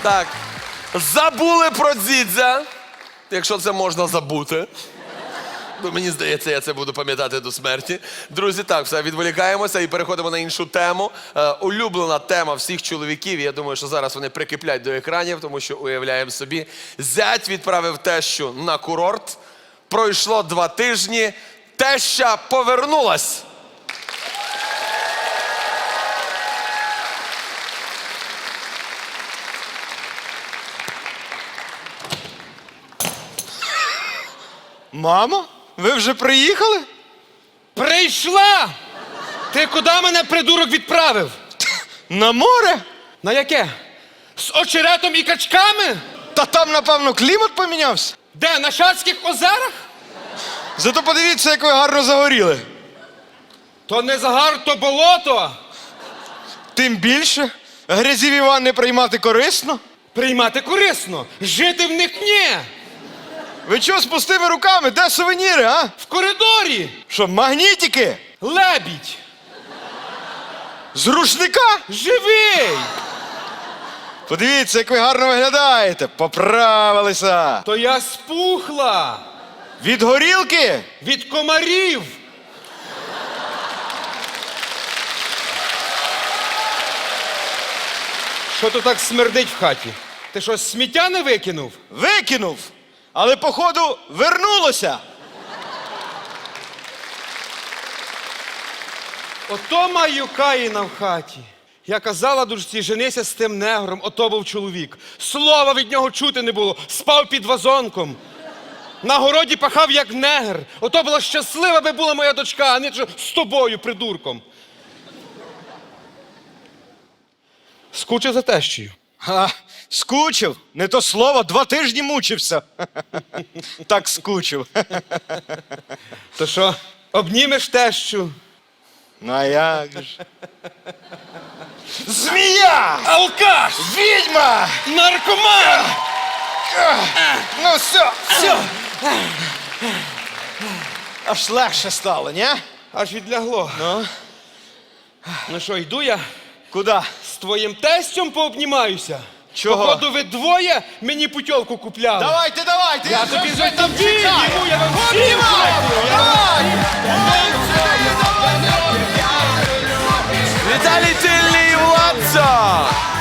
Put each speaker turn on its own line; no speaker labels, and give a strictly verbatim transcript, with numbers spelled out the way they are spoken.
Так. Забули про Дзідзя, якщо це можна забути. Ну, мені здається, я це буду пам'ятати до смерті. Друзі, так, все, відволікаємося і переходимо на іншу тему. Е, улюблена тема всіх чоловіків. Я думаю, що зараз вони прикиплять до екранів, тому що уявляємо собі. Зять відправив тещу на курорт. Пройшло два тижні. Теща повернулась.
Мамо, ви вже приїхали?
Прийшла! Ти куди мене, придурок, відправив?
На море?
На яке? З очеретом і качками?
Та там, напевно, клімат помінявся.
Де, на Шацьких озерах?
Зато подивіться, як ви гарно загоріли.
То не загар, то болото.
Тим більше, грязіві ванни приймати корисно.
Приймати корисно, жити в них ні.
Ви чого з пустими руками? Де сувеніри, а?
В коридорі
Що, магнітики?
лебідь,
З рушника?
живий.
Подивіться, як ви гарно виглядаєте. Поправилися.
То я спухла
Від горілки?
від комарів. Що то так смердить в хаті? Ти що, сміття не викинув?
Викинув. Але, походу, вернулося.
Ото маю Каїна в хаті. Я казала дочці, женися з тим негром, ото був чоловік. Слова від нього чути не було, спав під вазонком. На городі пахав, як негр. Ото була щаслива би була моя дочка, а не що з тобою, придурком. Скучив за тещею.
Ха, скучив. Не то слово, два тижні мучився. Так скучив.
То що, обнімеш тещу?
Ну а як ж? Змія!
Алкаш!
Відьма!
Наркоман!
Ну все, все. Аж легше стало, ні?
Аж відлягло.
Ну?
Ну що, йду я
Куди?
з твоїм тестем пообнімаюся.
Чого?
Походу, ви двоє мені путівку купляли.
Давайте, давайте!
Я тобі вже тобі, йому я вам всім
Обнімай!
зроблю.
Давай!
Віталій Тильний, Владзо!